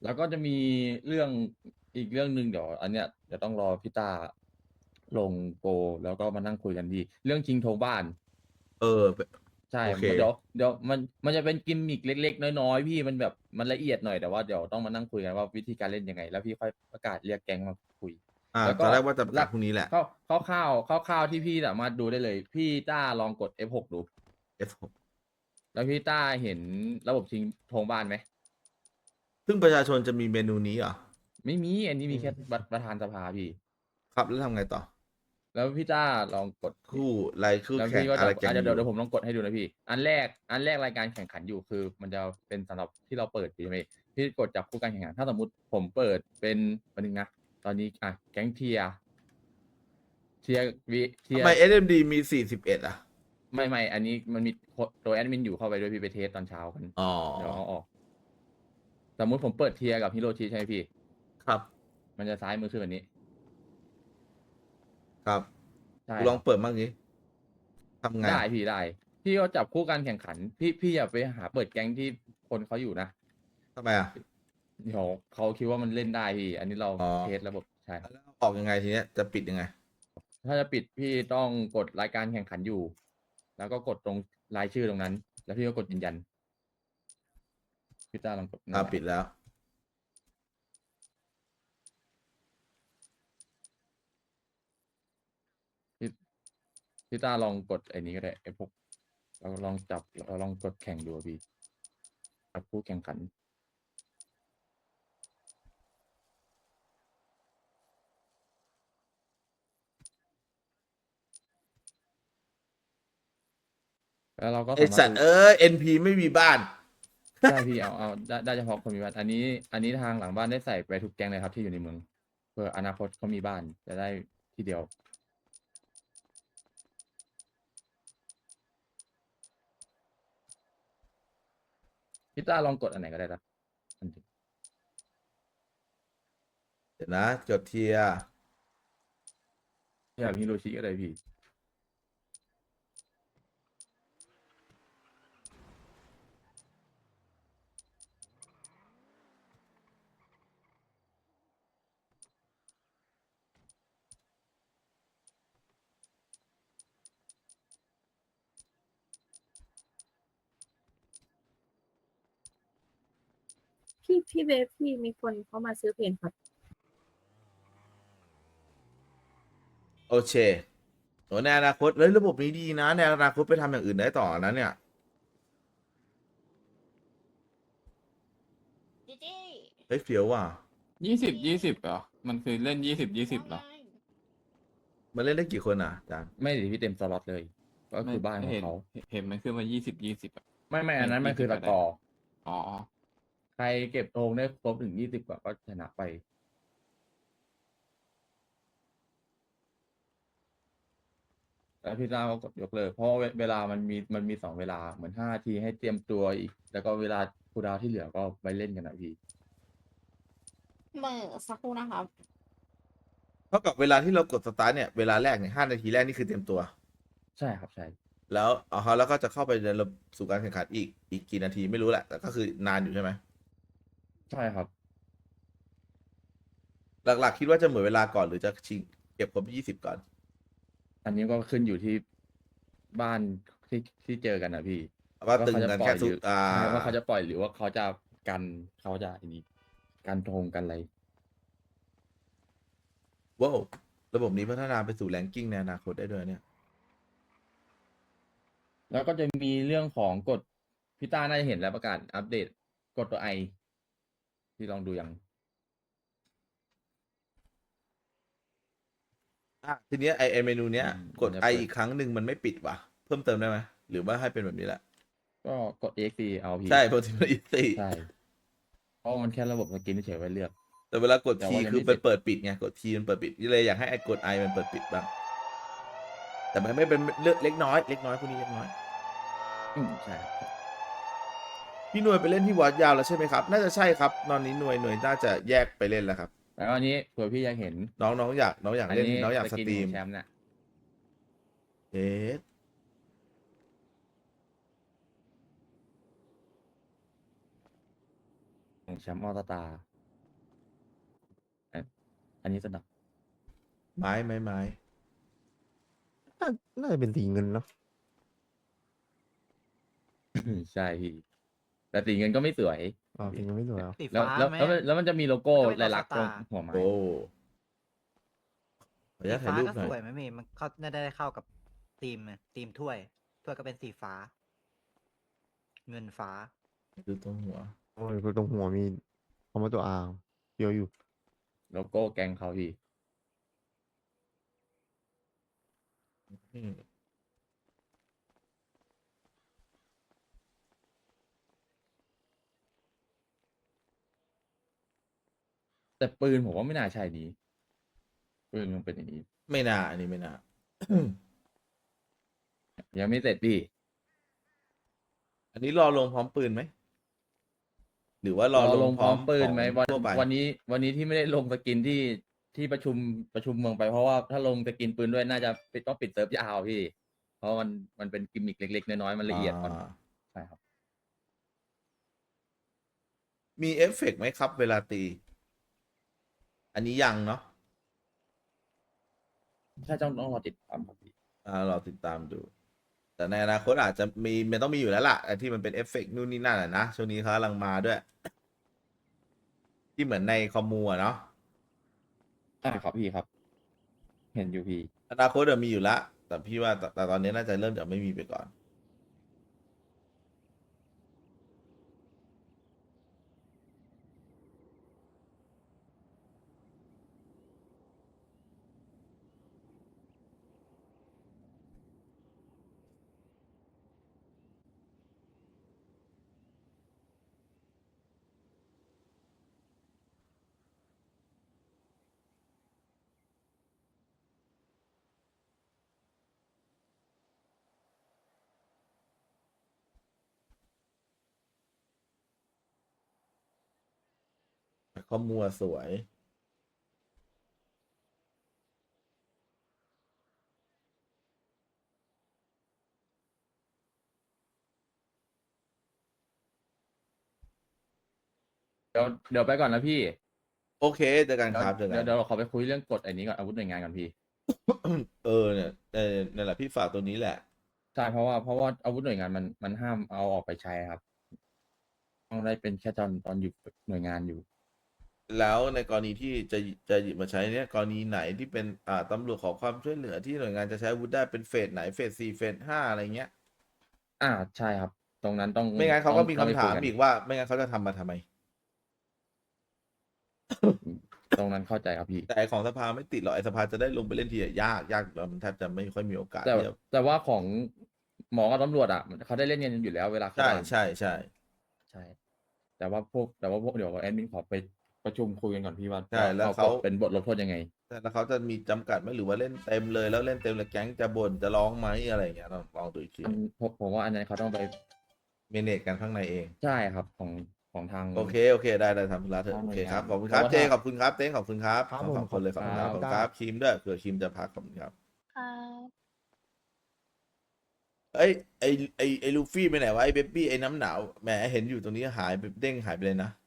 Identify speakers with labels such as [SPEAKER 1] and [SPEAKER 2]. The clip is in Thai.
[SPEAKER 1] แล้วก็จะมีเรื่องอีกเรื่องหนึ่งเดี๋ยวอันเนี้ยเดี๋ยวต้องรอพี่ต้าลงโกแล้วก็มานั่งคุยกันดีเรื่องชิงธงบ้าน
[SPEAKER 2] เออ
[SPEAKER 1] ใช่
[SPEAKER 2] โอเค
[SPEAKER 1] เดี๋ยวมันจะเป็นกิมมิกเล็กๆน้อยๆพี่มันแบบมันละเอียดหน่อยแต่ว่าเดี๋ยวต้องมานั่งคุยกันว่าวิธีการเล่นยังไงแล้วพี่ค่อยประกาศเรียกแก๊งมาคุยแล้วก็
[SPEAKER 2] ตอนแรกว่าจะประ
[SPEAKER 1] หลัก
[SPEAKER 2] กาศพรุ่งนี้แหละ
[SPEAKER 1] คร่าวที่พี่สามารถดูได้เลยพี่ต้าลองกด F6 ดู
[SPEAKER 2] F6
[SPEAKER 1] แล้วพี่ต้าเห็นระบบชิงธงบ้านไหม
[SPEAKER 2] ซึ่งประชาชนจะมีเมนูนี้เหรอ
[SPEAKER 1] ไม่มีอันนี้มีแค่ประธานสภาพี่
[SPEAKER 2] ครับแล้วทำไงต่อ
[SPEAKER 1] แล้วพี่ต้าลองกด
[SPEAKER 2] คู่รายคู่
[SPEAKER 1] แล้ว
[SPEAKER 2] แข่ง
[SPEAKER 1] พี่ก็จะ
[SPEAKER 2] อะไรแกงอยู่
[SPEAKER 1] เดี๋ยวผมลองกดให้ดูนะพี่อันแรกรายการแข่งขันอยู่คือมันจะเป็นสำหรับที่เราเปิดพี่ไหมพี่กดจับคู่การแข่งขันถ้าสมมติผมเปิดเป็นวันนึงนะตอนนี้แก๊งเทียร์วิเที
[SPEAKER 2] ทำไม
[SPEAKER 1] ยร์
[SPEAKER 2] SMD มี41อ่ะ
[SPEAKER 1] ไม่อันนี้มันมีตัวแอดมินอยู่เข้าไปด้วยพี่ไปเทสตอนเช้ากัน
[SPEAKER 2] อ๋อ
[SPEAKER 1] เดี๋ยวเอาออกสมมติผมเปิดเทียร์กับฮิโรชิใช่ไหมพี่
[SPEAKER 2] ครับ
[SPEAKER 1] มันจะซ้ายมือขึ้นแบบนี้
[SPEAKER 2] ครับ
[SPEAKER 1] ใช่
[SPEAKER 2] กูลอง
[SPEAKER 1] ครับ
[SPEAKER 2] เปิดบ้างนี้ทำไง
[SPEAKER 1] ได้พี่ได้พี่ก็จับคู่การแข่งขันพี่อย่าไปหาเปิดแก๊งที่คนเขาอยู่นะ
[SPEAKER 2] ทำไมอ่ะ
[SPEAKER 1] เดี๋ยวเขาคิดว่ามันเล่นได้พี่ อันนี้เรา
[SPEAKER 2] อ๋อ
[SPEAKER 1] เทสระบบใช่
[SPEAKER 2] แล้วออกยังไงทีเนี้ยจะปิดยังไง
[SPEAKER 1] ถ้าจะปิดพี่ต้องกดรายการแข่งขันอยู่ แล้วก็กดตรงรายชื่อตรงนั้น แล้วพี่ก็กดยืนยันพี่ต้าลองกดนั่นแหละ
[SPEAKER 2] ปิดแล้ว
[SPEAKER 1] พี่พี่ต้าลองกดไอ้นี้ก็ได้ไอ้พวกเราลองจับเราลองกดแข่งดูอะพี่จับผู้แข่งขันแล้วเราก็
[SPEAKER 2] ไอ
[SPEAKER 1] สามารถดู
[SPEAKER 2] สัตว์NP ไม่มีบ้าน
[SPEAKER 1] ใช่พี่เอาได้เฉพาะคนมีบ้านอันนี้ทางหลังบ้านได้ใส่ไปทุกแก๊งเลยครับที่อยู่ในเมืองเพื่ออนาคตเขามีบ้านจะได้ทีเดียวพี่ต้าลองกดอันไหนก็ได้นะอันหนึ่ง
[SPEAKER 2] เดี๋ยวนะจดเทียร์
[SPEAKER 1] อย่างฮิโรชิก็ได้พี่
[SPEAKER 3] พี่เบฟพี่มีคนเขามาซื้อเพนครับ
[SPEAKER 2] โอเคโอ้ในอนาคตเลยระบบนี้ดีนะในอนาคตไปทำอย่างอื่นได้ต่อนะเนี่ย
[SPEAKER 4] จีจี้
[SPEAKER 2] เฮ้ยเฟี้ยวว่ะ
[SPEAKER 5] 20เหรอมันคือเล่น20เหรอ
[SPEAKER 4] ว่าไง
[SPEAKER 2] มันเล่นได้กี่คนอ่ะอาจารย์
[SPEAKER 1] ไม่ได้พี่เต็มสล็อตเลย ก็
[SPEAKER 5] ไม่
[SPEAKER 1] คือบ้านของ
[SPEAKER 5] เห็น
[SPEAKER 1] เขา
[SPEAKER 5] เห็นมันขึ้นมา20อ่ะ
[SPEAKER 1] ไม่อั
[SPEAKER 5] ไม่
[SPEAKER 1] นนั้นมันคือ
[SPEAKER 5] 20
[SPEAKER 1] ส
[SPEAKER 5] อะไร
[SPEAKER 1] กอร์
[SPEAKER 5] อ๋อ
[SPEAKER 1] ใครเก็บธงได้ครบถึง20กว่าก็ชนะไป แล้วพี่ต้าก็กดยกเลิกเพราะเวลามันมี2เวลาเหมือน5 นาทีให้เตรียมตัวอีก แล้วก็เวลาคูลดาวน์ที่เหลือก็ไปเล่นกันนะพี่
[SPEAKER 4] เหมื่อสักครู่นะครับ
[SPEAKER 2] เท่ากับเวลาที่เรากดสตาร์ทเนี่ยเวลาแรกเนี่ย5 นาทีแรกนี่คือเตรียมตัว
[SPEAKER 1] ใช่ครับใช่
[SPEAKER 2] แล้วแล้วก็จะเข้าไปในระบบสู่การแข่งขันอีกกี่นาทีไม่รู้แหละแต่ก็คือนานอยู่ใช่ไหม
[SPEAKER 1] ใช่ครับ
[SPEAKER 2] หลักๆคิดว่าจะเหมือนเวลาก่อนหรือจะชิงเก็บครบ20ก่อน
[SPEAKER 1] อันนี้ก็ขึ้นอยู่ที่บ้านที่เจอกันนะพี่
[SPEAKER 2] ว่า
[SPEAKER 1] ว่าเขาจะ
[SPEAKER 2] ตึงกัน
[SPEAKER 1] ปล่อยหรือ
[SPEAKER 2] แค่สุด
[SPEAKER 1] ใช่ว่าเขาจะปล่อยหรือว่าเขาจะกันเขาจะอันนี้กันธงกันอะไร
[SPEAKER 2] ว้าวระบบนี้พัฒนาไปสู่แรงกิ้งในอนาคตได้ด้วยเนี่ย
[SPEAKER 1] แล้วก็จะมีเรื่องของกฎพี่ต้าน่าจะเห็นแล้วประกาศอัปเดตกฎตัวไอที่ลองดูยัง
[SPEAKER 2] ทีเนี้ยไอเมนูเนี้ยกด
[SPEAKER 1] มันจะ
[SPEAKER 2] ไอ
[SPEAKER 1] เปิด
[SPEAKER 2] อีกครั้งหนึ่งมันไม่ปิดว่ะเพิ่มเติมได้ไหมหรือว่าให้เป็นแบบนี้แหละ
[SPEAKER 1] ก็กด exe เอาพี่
[SPEAKER 2] ใช่เพราะที่มันอีซี่
[SPEAKER 1] ใช่เพราะมันแค่ระบบสกินเฉยๆไว้เลือก
[SPEAKER 2] แต่เวลากด
[SPEAKER 1] แต่
[SPEAKER 2] ทีคือ
[SPEAKER 1] ว่ายังไม่เสร็จ
[SPEAKER 2] มันเปิดปิดไงกดทีมันเปิดปิดนี่เลยอยากให้ไอกดไอมันเปิดปิดบ้างแต่มันไม่เป็นเลือกเล็กน้อยพวกนี้เล็กน้อย
[SPEAKER 1] ใช่ครับ
[SPEAKER 2] พี่หน่วยไปเล่นที่วัดยาวแล้วใช่ไหมครับน่าจะใช่ครับตอนนี้หน่วยน่าจะแยกไปเล่นแล้วครับ
[SPEAKER 1] แล้วอันนี้เผื่อพี่อยากเห็น
[SPEAKER 2] น้องอยาก
[SPEAKER 1] อันนี้
[SPEAKER 2] เล่นน้องอยาก
[SPEAKER 1] สกิน
[SPEAKER 2] สตรีม
[SPEAKER 1] ของแชมป์เนี่ย
[SPEAKER 2] เอ๊ะ
[SPEAKER 1] ของแชมป์ออสตาอันนี้สนับ
[SPEAKER 2] ไม้ไม้ไม้
[SPEAKER 6] น่าจะเป็นสีเงินเนาะ
[SPEAKER 1] ใช่พี่แต่สีเงินก็ไม่สวย
[SPEAKER 6] อ๋อสีเงินไม่สวยเหรอ
[SPEAKER 7] สี
[SPEAKER 1] แล้ว
[SPEAKER 7] ฟ้า
[SPEAKER 1] แล้ว
[SPEAKER 7] ไหม
[SPEAKER 1] แล้วมันจะมีโลโก้
[SPEAKER 7] มันจะเป็น
[SPEAKER 1] ลายลักษณ์ตรง
[SPEAKER 7] สตาร์
[SPEAKER 1] หัวไม้
[SPEAKER 2] โอ้ขออนุ
[SPEAKER 7] สี
[SPEAKER 2] ญาตถ่าย
[SPEAKER 7] ฟ้า
[SPEAKER 2] รูป
[SPEAKER 7] ก็
[SPEAKER 2] หน่อย
[SPEAKER 7] สวยไหมเมย์มันเขาน่าได้เข้ากับธีมอะธีมถ้วยก็เป็นสีฟ้า เงินฟ้า
[SPEAKER 2] ดูตรงหัว
[SPEAKER 6] โอ้ยตรงหัวมีคำว่าตัวอาเดียวอยู่
[SPEAKER 1] โลโก้แกงเขาพี่
[SPEAKER 2] อืม
[SPEAKER 1] แต่ปืนผมว่าไม่น่าใช่นี้ปืนมันเป็นอย่างนี้
[SPEAKER 2] ไม่น่าอันนี้ไม่น่า
[SPEAKER 1] ยังไม่เสร็จพี่
[SPEAKER 2] อันนี้รอลงพร้อมปืนไหมหรือว่ารอลง
[SPEAKER 1] พร้อมปืนไหม
[SPEAKER 2] ของทั่วไป
[SPEAKER 1] วันนี้ที่ไม่ได้ลงสกินที่ประชุมเมืองไปเพราะว่าถ้าลงสกินปืนด้วยน่าจะต้องปิดเซิร์ฟยาวพี่ เพราะมันเป็นกิมมิคเล็กๆน้อยๆมันละเอียดอ่อน
[SPEAKER 2] อ่า
[SPEAKER 1] ใช่ครับ
[SPEAKER 2] มีเอฟเฟกต์ไหมครับ เวลาตี อันนี้ยังเนาะ
[SPEAKER 1] ถ้าต้องรอติดตามครับพี่
[SPEAKER 2] เราติดตามดู แต่ในอนาคตอาจจะมีมันต้องมีอยู่แล้วล่ะไอ้ที่มันเป็นเอฟเฟกต์นู่นนี่นั่นอะนะช่วงนี้เขากำลังมาด้วย ที่เหมือนในคอมมูอะเนาะ
[SPEAKER 1] ครับพี่ครับ เห็นอยู่พี่
[SPEAKER 2] อนาคตเดี๋ยวมีอยู่ละแต่พี่ว่าแต่ตอนนี้น่าจะเริ่มจากไม่มีไปก่อน คอมมูอะสวย
[SPEAKER 1] เดี๋ยวไปก่อนนะพี่
[SPEAKER 2] โอเคเจอกันครับเจอกัน
[SPEAKER 1] เดี๋ยวเราขอไปคุยเรื่องกฎอันนี้ก่อนอาวุธหน่วยงานก่อนพี่
[SPEAKER 2] เนี่ยนั่นแหละพี่ฝากตัวนี้แหละ
[SPEAKER 1] ใช่เพราะว่าอาวุธหน่วยงานมันห้ามเอาออกไปใช้ครับ ต้องได้เป็นแค่ตอนอยู่หน่วยงานอยู่
[SPEAKER 2] แล้วในกรณีที่จะหยิบมาใช้เนี่ยกรณีไหนที่เป็นตำรวจขอความช่วยเหลือที่หน่วยงานจะใช้อาวุธได้เป็นเฟสไหนเฟส4เฟส5อะไรเงี้ย
[SPEAKER 1] ใช่ครับ ตรงนั้นต้อง
[SPEAKER 2] ไม่งั้นเขาก็มี
[SPEAKER 1] ต้อง
[SPEAKER 2] คำ
[SPEAKER 1] ไป
[SPEAKER 2] ถาม
[SPEAKER 1] ยน
[SPEAKER 2] อีกว่า ไม่งั้นเขาจะทำมาทำไม
[SPEAKER 1] ตรงนั้นเข้าใจครับพี่
[SPEAKER 2] แต่ไอ้ของสภาไม่ติดหรอกไอ้สภาจะได้ลงไปเล่นทีอะยากแล้วมันแทบจะไม่ค่อยมีโอกาส
[SPEAKER 1] แต่
[SPEAKER 2] ที่จะ
[SPEAKER 1] แต่ว่าของหมอกับตำรวจเขาได้เล่นกันอยู่แล้วเวลาเข้า
[SPEAKER 2] ใช่
[SPEAKER 1] ด่าน
[SPEAKER 2] ใช่ใช่
[SPEAKER 1] ใช่ แต่ว่าพวกเดี๋ยวแอดมินขอไปประชุมคุยกันก่อนพี่ว่า
[SPEAKER 2] ใช่แล้วเขา
[SPEAKER 1] กฎเป็นบทลงโทษยังไง
[SPEAKER 2] แต่แล้วเขาจะมีจำกัดไหมหรือว่าเล่นเต็มเลยแล้วเล่นเต็มเลยแก๊งจะบ่นจะร้องไหมอะไรอย่างเงี้ยลองดูอีกที
[SPEAKER 1] ผมว่าอันนั้นเขาต้องไป
[SPEAKER 2] เมเนจกันข้างในเอง
[SPEAKER 1] ใช่ครับของทาง
[SPEAKER 2] โอเคได้ทำธุระเถอะ
[SPEAKER 1] ทางห
[SPEAKER 2] โอ
[SPEAKER 1] น่วย
[SPEAKER 2] เคครับ
[SPEAKER 1] งาน
[SPEAKER 2] ขอบคุณครับ
[SPEAKER 1] เพราะว่า
[SPEAKER 2] เจขอบคุณครับเต้ขอบคุณครับ
[SPEAKER 6] ครับ
[SPEAKER 2] ทั้งสอง
[SPEAKER 6] ผม
[SPEAKER 2] คนเลยขอบคุณครับ
[SPEAKER 6] ข
[SPEAKER 2] ข
[SPEAKER 6] อ
[SPEAKER 2] อ
[SPEAKER 6] บบ คุ
[SPEAKER 2] คุณ ณ
[SPEAKER 6] ค
[SPEAKER 2] ค
[SPEAKER 6] รั
[SPEAKER 2] รับ บคิมด้วยเผื่อคิมจะพักขอบคุณครับ
[SPEAKER 4] ค่ะ
[SPEAKER 2] เอ้ยไอลูฟี่ไปไหนวะไอเบบี้ไอน้ำหนาวแหมเห็นอยู่ตรงนี้หายไปเด้งหายไปเลยนะ